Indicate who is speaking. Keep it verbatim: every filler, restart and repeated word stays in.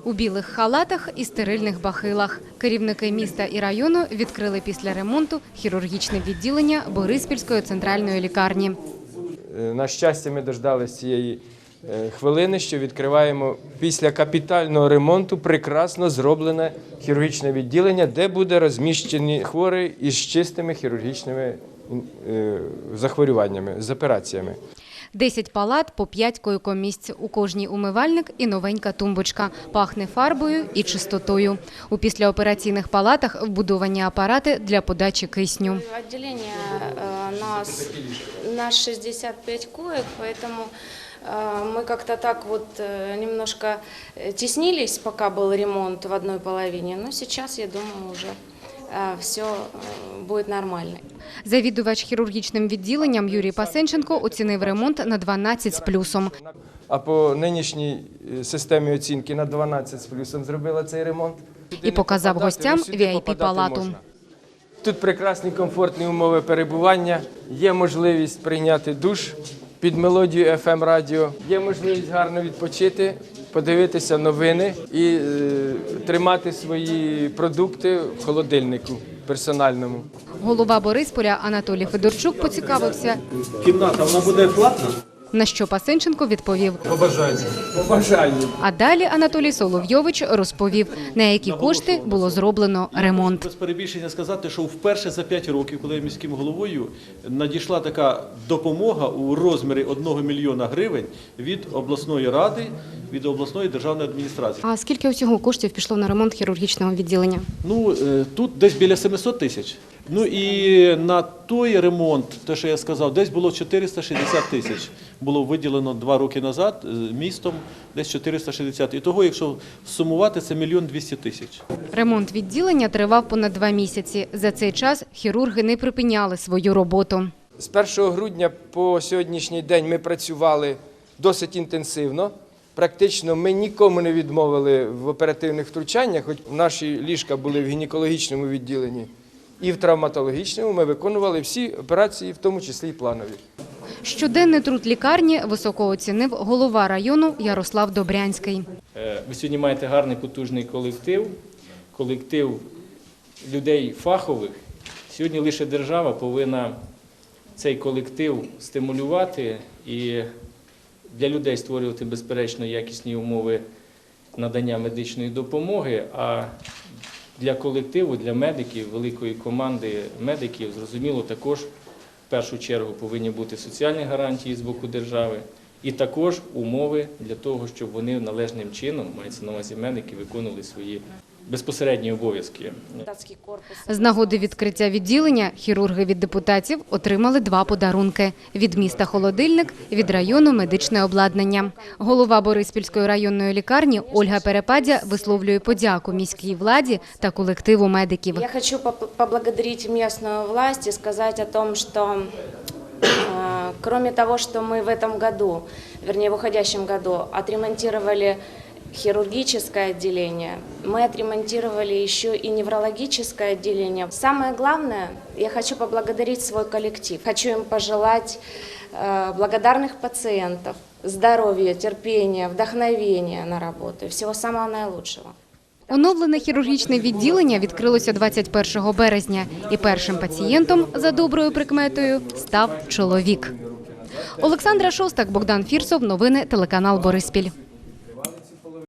Speaker 1: У білих халатах і стерильних бахилах. Керівники міста і району відкрили після ремонту хірургічне відділення Бориспільської центральної лікарні.
Speaker 2: На щастя, ми дождалися цієї хвилини, що відкриваємо після капітального ремонту прекрасно зроблене хірургічне відділення, де буде розміщені хворі із чистими хірургічними захворюваннями, з операціями.
Speaker 1: Десять палат по п'ять койкомісць. У кожній умивальник і новенька тумбочка. Пахне фарбою і чистотою. У післяопераційних палатах вбудовані апарати для подачі кисню.
Speaker 3: Відділення нас на шістдесят п'ять коек, поэтому мы как-то так вот немножко теснились, пока был ремонт в одной половине. Но сейчас, я думаю, уже все буде нормально.
Speaker 1: Завідувач хірургічним відділенням Юрій Пасенченко оцінив ремонт на дванадцять з плюсом.
Speaker 2: А по нинішній системі оцінки на дванадцять з плюсом зробила цей ремонт.
Speaker 1: І показав гостям ві ай пі-палату.
Speaker 2: Тут прекрасні комфортні умови перебування, є можливість прийняти душ під мелодію еф ем радіо, є можливість гарно відпочити, подивитися новини і е, тримати свої продукти в холодильнику персональному.
Speaker 1: Голова Борисполя Анатолій Федорчук поцікавився.
Speaker 4: Кімната, вона буде платна?
Speaker 1: На що Пасенченко відповів:
Speaker 4: По бажанню.
Speaker 2: По бажанню.
Speaker 1: А далі Анатолій Соловйович розповів, на які кошти було зроблено ремонт.
Speaker 4: Без перебільшення сказати, що вперше за п'ять років, коли я міським головою, надійшла така допомога у розмірі одного мільйона гривень від обласної ради, від обласної державної адміністрації.
Speaker 1: А скільки усього коштів пішло на ремонт хірургічного відділення?
Speaker 4: Ну, тут десь біля семисот тисяч. Ну і на той ремонт, те, що я сказав, десь було чотириста шістдесят тисяч. Було виділено два роки назад містом, десь чотириста шістдесят. І того, якщо сумувати, це мільйон двісті тисяч.
Speaker 1: Ремонт відділення тривав понад два місяці. За цей час хірурги не припиняли свою роботу.
Speaker 2: З першого грудня по сьогоднішній день ми працювали досить інтенсивно. Практично ми нікому не відмовили в оперативних втручаннях, хоч наші ліжка були в гінекологічному відділенні і в травматологічному, ми виконували всі операції, в тому числі і планові.
Speaker 1: Щоденний труд лікарні високо оцінив голова району Ярослав Добрянський.
Speaker 5: Ви сьогодні маєте гарний потужний колектив, колектив людей фахових. Сьогодні лише держава повинна цей колектив стимулювати і для людей створювати, безперечно, якісні умови надання медичної допомоги, а для колективу, для медиків, великої команди медиків, зрозуміло, також в першу чергу повинні бути соціальні гарантії з боку держави і також умови для того, щоб вони належним чином, мається на увазі медики, виконували свої безпосередні обов'язки.
Speaker 1: З нагоди відкриття відділення хірурги від депутатів отримали два подарунки – від міста холодильник, від району медичне обладнання. Голова Бориспільської районної лікарні Ольга Перепадя висловлює подяку міській владі та колективу медиків.
Speaker 3: Я хочу поблагодарить местную власть и сказать о том, что кроме того, что мы в этом году, вернее в уходящем году, отремонтировали хирургическое отделение, мы отремонтировали еще и неврологическое отделение. Самое главное, я хочу поблагодарить свой коллектив. Хочу им пожелать э, благодарных пациентов, здоровья, терпения, вдохновения на работу. Всего самого наилучшего.
Speaker 1: Оновлене хірургічне відділення відкрилося двадцять першого березня. І першим пацієнтом, за доброю прикметою, став чоловік. Олександра Шостак, Богдан Фірсов. Новини телеканал Бориспіль.